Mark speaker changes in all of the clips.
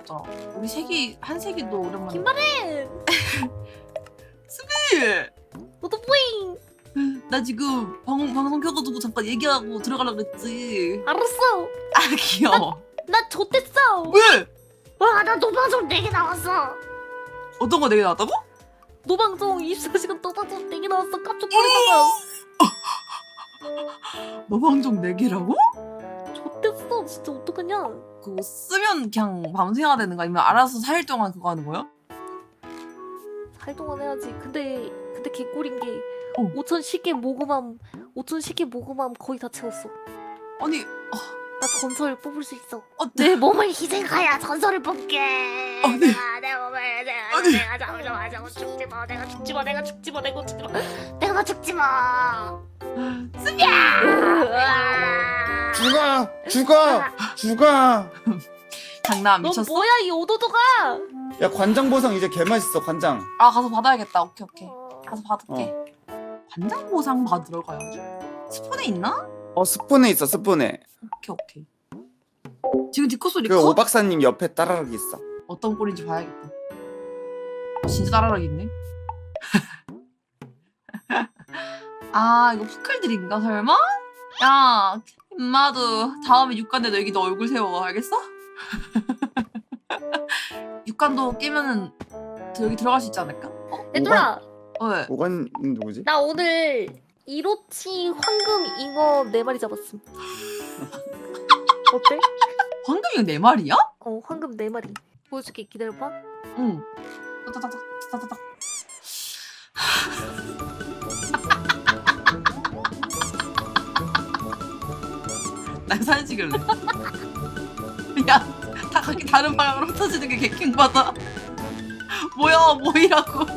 Speaker 1: 없잖아. 우리 색이 한 색이도 오랜만에.
Speaker 2: 김바렌!
Speaker 1: 수비!
Speaker 2: 너도 뿌잉!
Speaker 1: 나 지금 방송 켜가지고 잠깐 얘기하고 들어가려고 그랬지.
Speaker 2: 알았어!
Speaker 1: 아 귀여워.
Speaker 2: 나 좆됐어!
Speaker 1: 왜?
Speaker 2: 와, 나 노방송 4개 나왔어!
Speaker 1: 어떤 거 내게 나왔다고?
Speaker 2: 노방송 24시간 노방송 4개 나왔어. 깜짝 놀랐다가.
Speaker 1: 너 방송 4개라고?
Speaker 2: 좆됐어. 진짜 어떡하냐?
Speaker 1: 그거 쓰면 그냥 밤새야 되는 거 아니면 알아서 4일 동안 그거 하는 거야?
Speaker 2: 4일 동안 해야지. 근데 개꿀인 게
Speaker 1: 5천
Speaker 2: 5,010개 모금함 거의 다 채웠어.
Speaker 1: 아니
Speaker 2: 나 전설 뽑을 수 있어.
Speaker 1: 어때?
Speaker 2: 내 몸을 희생하여 전설을 뽑게.
Speaker 1: 아니.
Speaker 2: 내 몸을
Speaker 1: 아니.
Speaker 2: 내가 잡으려고 죽지 마. 내가 죽지 마. 내가 죽지 마. 내가 죽지 마. 내가 죽지 마.
Speaker 3: 죽어.
Speaker 1: 장난
Speaker 2: 넌
Speaker 1: 미쳤어?
Speaker 2: 뭐야 이 오도도가?
Speaker 3: 야 관장 보상 이제 개 맛있어 관장.
Speaker 1: 아 가서 받아야겠다. 오케이. 가서 받을게. 관장 보상 받으러 가야지. 스폰에 있나?
Speaker 3: 스푼에 있어 스푼에.
Speaker 1: 오케이. 지금 뒷코 소리
Speaker 3: 그
Speaker 1: 커?
Speaker 3: 오 박사님 옆에 따라락 있어.
Speaker 1: 어떤 꼴인지 봐야겠다. 진짜 따라락 있네. 아 이거 포클들인가 설마? 야 임마도 다음에 육관에 너 여기 너 얼굴 세워 알겠어? 육관도 깨면은 여기 들어갈 수 있지 않을까?
Speaker 2: 얘들아,
Speaker 1: 왜?
Speaker 3: 오관 누구지?
Speaker 2: 나 오늘 이로치 황금 잉어 4마리 잡았음. 어때?
Speaker 1: 황금이가 4마리야?
Speaker 2: 황금 4마리. 보여줄게. 기다려봐.
Speaker 1: 응. 따다닥. 나 사진 찍을래. 야, 다 각기 다른 방향으로 흩어지는 게 개킹받아. 뭐야, 뭐이라고.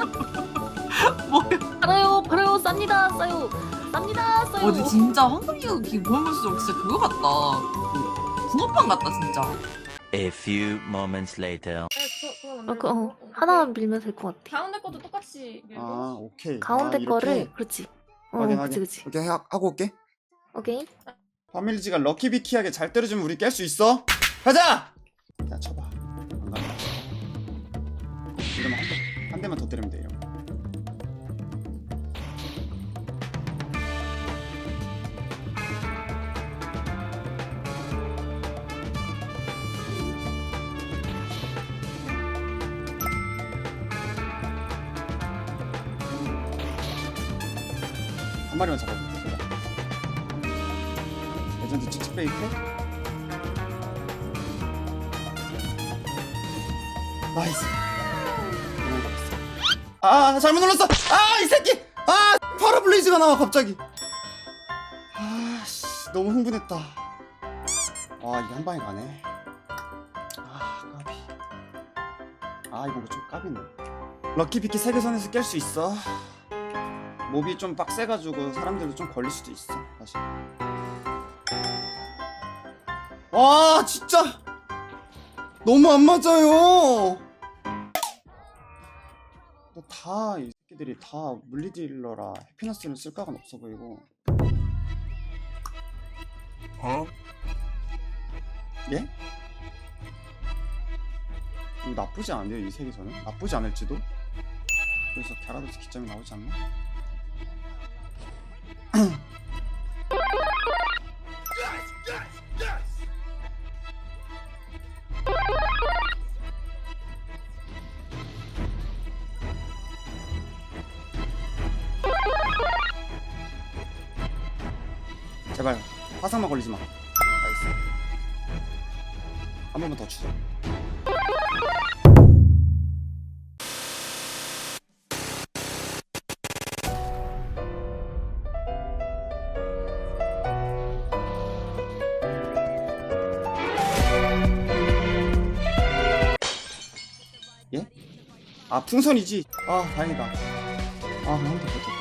Speaker 1: 뭐야.
Speaker 2: 팔아요. 쌉니다.
Speaker 1: 근데 진짜 황금이가 기본 볼수록 진짜 그거 같다. 붕어빵 같다, 진짜.
Speaker 4: A few moments later.
Speaker 2: 하나만 밀면 될 것 같아.
Speaker 5: 가운데 것도 똑같이 밀고.
Speaker 3: 아 오케이.
Speaker 2: 가운데
Speaker 3: 이렇게?
Speaker 2: 거를 그렇지.
Speaker 3: 확인.
Speaker 2: 그렇지.
Speaker 3: 오케이 하고 올게.
Speaker 2: 오케이.
Speaker 3: 파밀리지가 럭키비키하게 잘 때려주면 우리 깰 수 있어. 가자. 야 쳐봐. 안 간다. 이러면 한 대만 더 때리면 돼. 이러면. 한 마리만 잡아줘. 제발. 레전드 칙칙 베이크. 나이스. 아 잘못 눌렀어. 아 이 새끼. 아 파라블레이즈가 나와 갑자기. 아씨 너무 흥분했다. 아 이게 한 방에 가네. 아 까비. 아 이거 좀 까비네. 럭키비키 세계선에서 깰 수 있어. 몹이 좀 빡세가지고 사람들도 좀 걸릴 수도 있어 사실. 와 진짜 너무 안 맞아요. 다 이 새끼들이 다 물리딜러라 해피너스는 쓸각은 없어 보이고. 예? 이거 나쁘지 않은데요 이 세계선은? 나쁘지 않을지도? 그래서 갸라도스 기점이 나오지 않나? 제발 화상만 걸리지 마. 나이스. 한 번만 더 추자. 예? 아 풍선이지. 아 다행이다. 아 한대 버텼다.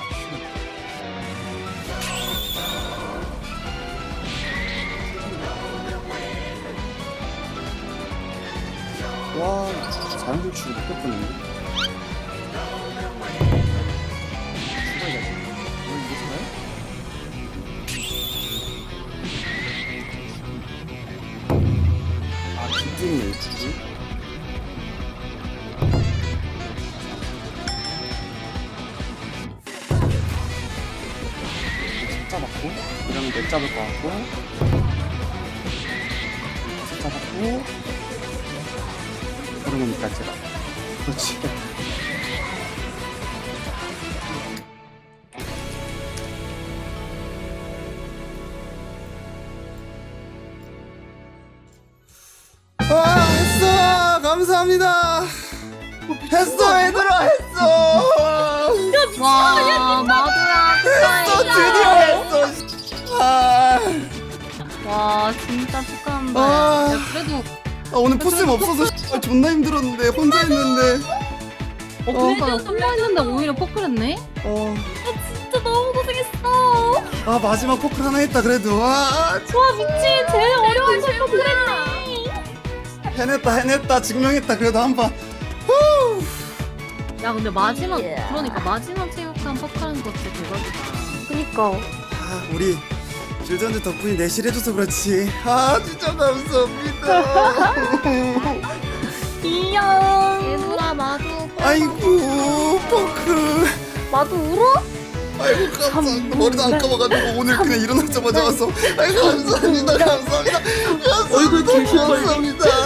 Speaker 3: 와 자연돌출 못 뺐었는데. 죽어야지. 이거 죽어요? 아 기둥이 있지. 잡았고 이러면 넷 잡을 것 같고 다섯 잡았고 그러면 이까지 라 그렇지. 아 했어 감사합니다. 했어 얘들아 했어.
Speaker 2: 와 마두야
Speaker 3: 했어
Speaker 2: 축하해.
Speaker 3: 드디어 했어. 아,
Speaker 2: 와 진짜 축하한다.
Speaker 3: 아.
Speaker 2: 야 그래도
Speaker 3: 오늘 포스임 없어서 존나 힘들었는데 혼자 했는데.
Speaker 2: 그러니까 혼자 했는데 오히려 포크했네. 진짜 너무 고생했어.
Speaker 3: 아 마지막 포크 하나 했다 그래도.
Speaker 2: 와 미친 제일 어려운 걸 포크했네.
Speaker 3: 해냈다 증명했다 그래도 한번.
Speaker 2: 야 근데 마지막 그러니까 마지막 체육관 포크하는 거 진짜 대박이다. 그니까.
Speaker 3: 아 우리 줄전주 덕분에 내실해줘서 그렇지. 아 진짜 감사합니다.
Speaker 2: 이야. 얘들아 마두.
Speaker 3: 아이고 포크.
Speaker 2: 마두 울어?
Speaker 3: 아이고 감사합니다. 머리도 안 감아가지고 오늘 그냥 일어나자마자 와서. 아이고 감사합니다. 감사합니다. 감사합니다.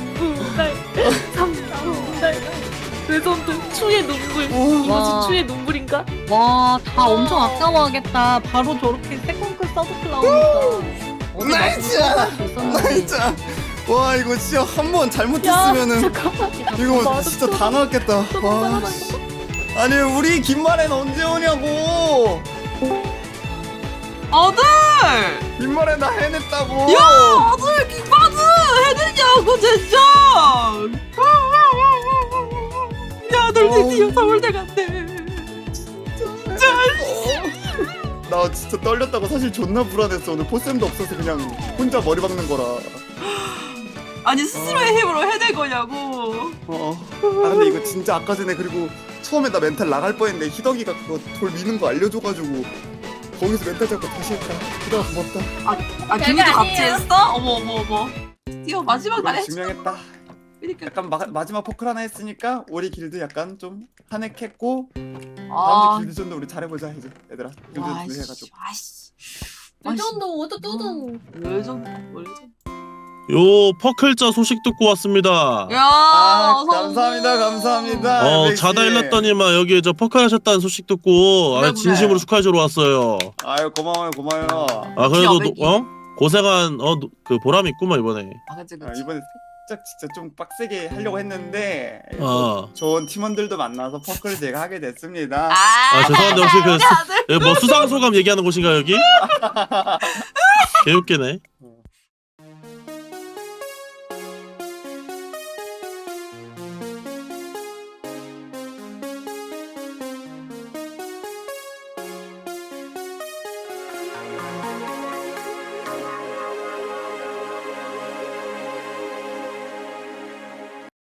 Speaker 2: 외손도 추의 눈물.
Speaker 3: 와.
Speaker 2: 이것이 추의 눈물인가? 와, 다 엄청 아까워하겠다. 바로 저렇게 세컨클 서브클 나오니까. 어디
Speaker 3: 나이스!
Speaker 2: 마두도 수 있었는데.
Speaker 3: 진짜 와 이거 진짜 한 번 잘못했으면은
Speaker 2: 잠깐만.
Speaker 3: 이거 진짜 다 나왔겠다. 와. 아니 우리 김말엔 언제 오냐고.
Speaker 1: 아들!
Speaker 3: 김말엔 나 해냈다고.
Speaker 1: 야! 아들 킹받스! 해내냐고 진짜! 야, 아들 드디어 서울대 갔네.
Speaker 3: 나 진짜 떨렸다고. 사실 존나 불안했어. 오늘 포쌤도 없어서 그냥 혼자 머리 박는 거라.
Speaker 1: 아니 스스로의 힘으로 해낼 거냐고.
Speaker 3: 아 근데 이거 진짜 아까 전에 그리고 처음에 나 멘탈 나갈 뻔했는데 희덕이가 그거 돌 미는 거 알려줘가지고 거기서 멘탈 잡고 다시 했다. 희덕아 고맙다.
Speaker 1: 아 김희도 같이 했어? 어머. 드디어 마지막 날에
Speaker 3: 증명했다.
Speaker 1: 그러니까.
Speaker 3: 약간 마지막 포클 하나 했으니까 우리 길드 약간 좀 탄핵했고
Speaker 1: 아,
Speaker 3: 다음 주 길드전도 우리 잘해보자 이제 얘들아. 길드전도 해가지고.
Speaker 1: 아이씨.
Speaker 2: 레전드 어디 뚜둥.
Speaker 1: 레전드.
Speaker 5: 요 퍼클자 소식 듣고 왔습니다.
Speaker 1: 야,
Speaker 3: 아
Speaker 1: 어서
Speaker 3: 감사합니다
Speaker 1: 오고.
Speaker 3: 감사합니다. 엘베 씨.
Speaker 5: 자다 일났더니만 여기 저 퍼클 하셨다는 소식 듣고
Speaker 1: 그래,
Speaker 5: 진심으로
Speaker 1: 그래.
Speaker 5: 축하해주러 왔어요.
Speaker 3: 아유 고마워요.
Speaker 5: 그래도
Speaker 1: 매기.
Speaker 5: 고생한 그 보람이 있구만 이번에.
Speaker 1: 아, 그치.
Speaker 3: 이번에 살짝 진짜 좀 빡세게 하려고 했는데 좋은 팀원들도 만나서 퍼클 제가 하게 됐습니다.
Speaker 5: 죄송한데 혹시
Speaker 1: 우리 아들.
Speaker 5: 뭐 수상 소감 얘기하는 곳인가 여기? 개웃기네.